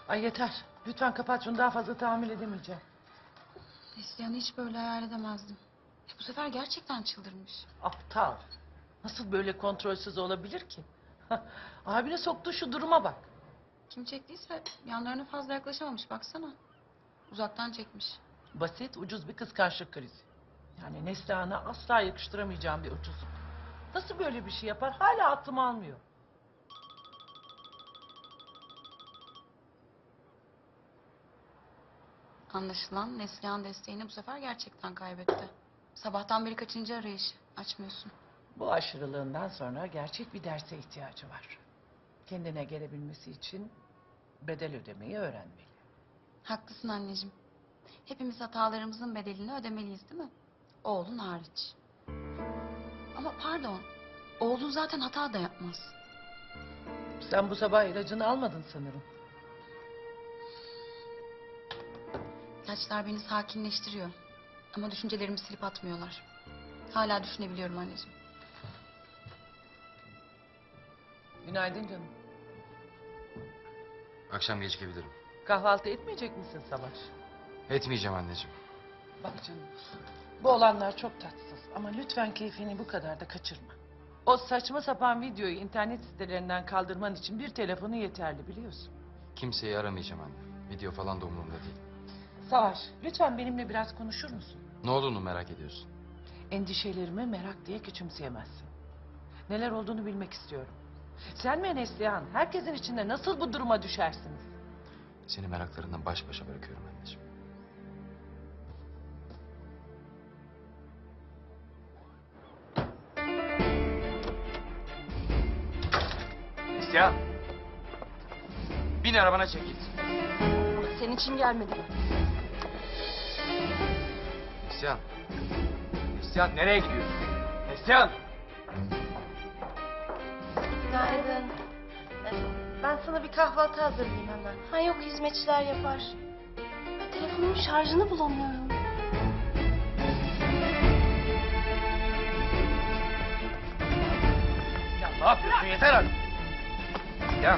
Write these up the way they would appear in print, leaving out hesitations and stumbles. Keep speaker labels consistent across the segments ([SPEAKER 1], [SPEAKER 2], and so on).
[SPEAKER 1] Ay yeter. Lütfen kapat şunu, daha fazla tahammül edemeyeceğim.
[SPEAKER 2] Neslihan'ı hiç böyle hayal edemezdim. Bu sefer gerçekten çıldırmış.
[SPEAKER 1] Aptal. Nasıl böyle kontrolsüz olabilir ki? Abine soktuğu şu duruma bak.
[SPEAKER 2] Kim çektiyse yanlarına fazla yaklaşamamış baksana. Uzaktan çekmiş.
[SPEAKER 1] Basit, ucuz bir kıskançlık krizi. Yani Neslihan'a asla yakıştıramayacağım bir ucuzluk. Nasıl böyle bir şey yapar? Hala aklım almıyor.
[SPEAKER 2] Anlaşılan Neslihan desteğini bu sefer gerçekten kaybetti. Sabahtan beri kaçıncı arayışı? Açmıyorsun.
[SPEAKER 1] Bu aşırılığından sonra gerçek bir derse ihtiyacı var. Kendine gelebilmesi için bedel ödemeyi öğrenmeli.
[SPEAKER 2] Haklısın anneciğim. Hepimiz hatalarımızın bedelini ödemeliyiz değil mi? Oğlun hariç. Ama pardon. Oğlun zaten hata da yapmaz.
[SPEAKER 1] Sen bu sabah ilacını almadın sanırım.
[SPEAKER 2] İlaçlar beni sakinleştiriyor. Ama düşüncelerimi silip atmıyorlar. Hala düşünebiliyorum anneciğim.
[SPEAKER 1] Günaydın canım.
[SPEAKER 3] Akşam gecikebilirim.
[SPEAKER 1] Kahvaltı etmeyecek misin Savaş?
[SPEAKER 3] Etmeyeceğim anneciğim.
[SPEAKER 1] Bak canım, bu olanlar çok tatsız ama lütfen keyfini bu kadar da kaçırma. O saçma sapan videoyu internet sitelerinden kaldırman için bir telefonu yeterli, biliyorsun.
[SPEAKER 3] Kimseyi aramayacağım anne. Video falan da umurumda değil.
[SPEAKER 1] Savaş, lütfen benimle biraz konuşur musun?
[SPEAKER 3] Ne olduğunu merak ediyorsun.
[SPEAKER 1] Endişelerimi merak diye küçümseyemezsin. Neler olduğunu bilmek istiyorum. Sen ve Neslihan herkesin içinde nasıl bu duruma düşersiniz?
[SPEAKER 3] Seni meraklarından baş başa bırakıyorum anneciğim. Neslihan! Bin arabana çek git.
[SPEAKER 2] Senin için gelmedim.
[SPEAKER 3] Neslihan! Neslihan nereye gidiyorsun? Neslihan!
[SPEAKER 4] Günaydın. Ben sana bir kahvaltı hazırlayayım hemen. Ha yok, hizmetçiler yapar. Telefonumun şarjını bulamıyorum.
[SPEAKER 3] Ya ne yapıyorsun? Yeter artık! Ya!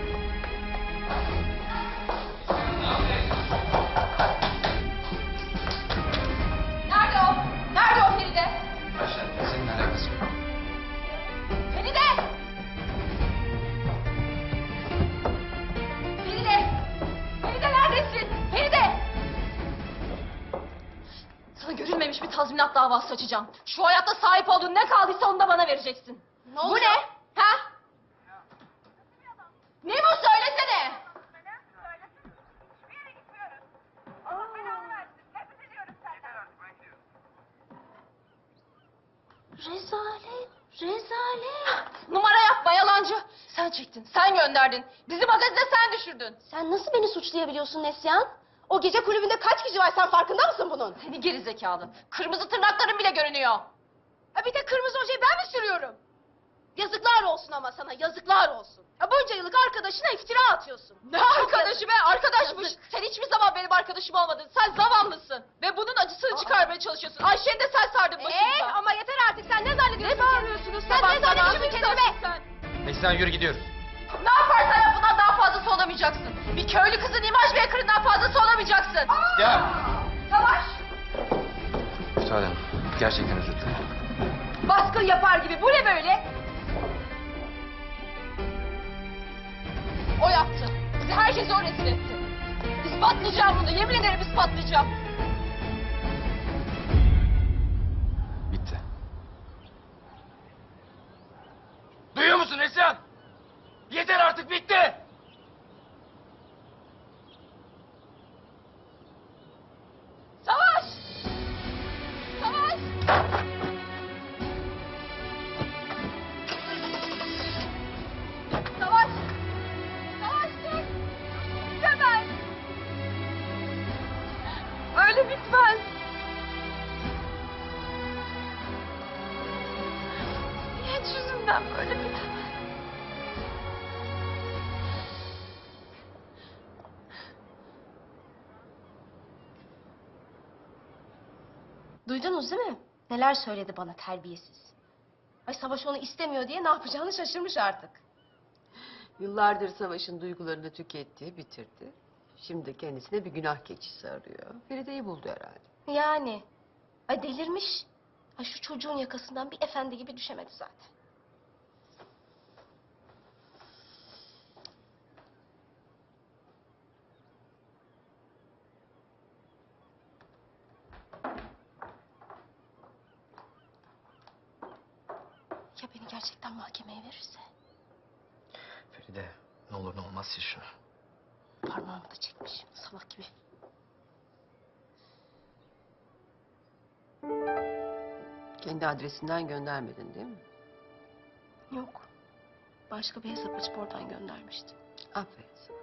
[SPEAKER 2] Nerede o? Nerede o Feride?
[SPEAKER 3] Ayşen, seninle alakası yok.
[SPEAKER 2] Feride! Feride! Feride neredesin? Feride! Sana görülmemiş bir tazminat davası açacağım. Şu hayatta sahip olduğun ne kaldıysa onu da bana vereceksin. Bu ne? Ha? Ne bu, söylesene?
[SPEAKER 4] Rezalet, rezalet.
[SPEAKER 2] Numara yapma yalancı. Sen çektin, sen gönderdin. Bizi magazine sen düşürdün.
[SPEAKER 4] Sen nasıl beni suçlayabiliyorsun Neslihan? O gece kulübünde kaç kişi var, sen farkında mısın bunun?
[SPEAKER 2] Seni geri zekalı. Kırmızı tırnakların bile görünüyor.
[SPEAKER 4] Ha bir de kırmızı ojeyi ben mi sürüyorum? Yazıklar olsun ama sana, yazıklar olsun. Ya bunca yıllık arkadaşına iftira atıyorsun.
[SPEAKER 2] Ne arkadaşı be? Arkadaşmış. Sen hiçbir zaman benim arkadaşım olmadın. Sen zavallısın. Ve bunun acısını çıkarmaya çalışıyorsun. Ayşe'ni de sen sardın başımıza.
[SPEAKER 4] Ama yeter artık, sen ne zannediyorsun?
[SPEAKER 2] Ne bağırıyorsunuz
[SPEAKER 4] Sen
[SPEAKER 2] sabah
[SPEAKER 4] ne
[SPEAKER 2] sabah?
[SPEAKER 4] zannediyorsun kendine?
[SPEAKER 2] Sen.
[SPEAKER 3] Neslihan yürü gidiyoruz.
[SPEAKER 2] Ne yaparsan yap bundan daha fazlası olamayacaksın. Bir köylü kızın imaj maker'ından fazlası olamayacaksın.
[SPEAKER 3] Ya!
[SPEAKER 2] Savaş.
[SPEAKER 3] Müsaaden. Gerçekten özür dilerim.
[SPEAKER 2] Baskın yapar gibi. Bu ne böyle? O yaptı. Bizi herkese o rezil etti. İspatlayacağım bunu. Yemin ederim ispatlayacağım.
[SPEAKER 3] Bitti. Duyuyor musun Neslihan? Yeter artık, bitti!
[SPEAKER 2] Savaş! Savaş! Savaş! Savaş dur! Bitemez! Öyle bitmez! Niye yüzünden böyle bitemez?
[SPEAKER 4] Duydunuz değil mi? Neler söyledi bana, terbiyesiz. Ay Savaş onu istemiyor diye ne yapacağını şaşırmış artık.
[SPEAKER 5] Yıllardır Savaş'ın duygularını tüketti, bitirdi. Şimdi kendisine bir günah keçisi arıyor. Feride'yi buldu herhalde.
[SPEAKER 4] Yani. Ay delirmiş. Ay şu çocuğun yakasından bir efendi gibi düşemedi zaten. Ya beni gerçekten mahkemeye verirse?
[SPEAKER 3] Feride ne olur ne olmaz sil şunu.
[SPEAKER 4] Parmağımı da çekmiş salak gibi.
[SPEAKER 5] Kendi adresinden göndermedin değil mi?
[SPEAKER 4] Yok. Başka bir hesap açıp oradan göndermişti.
[SPEAKER 5] Aferin sana.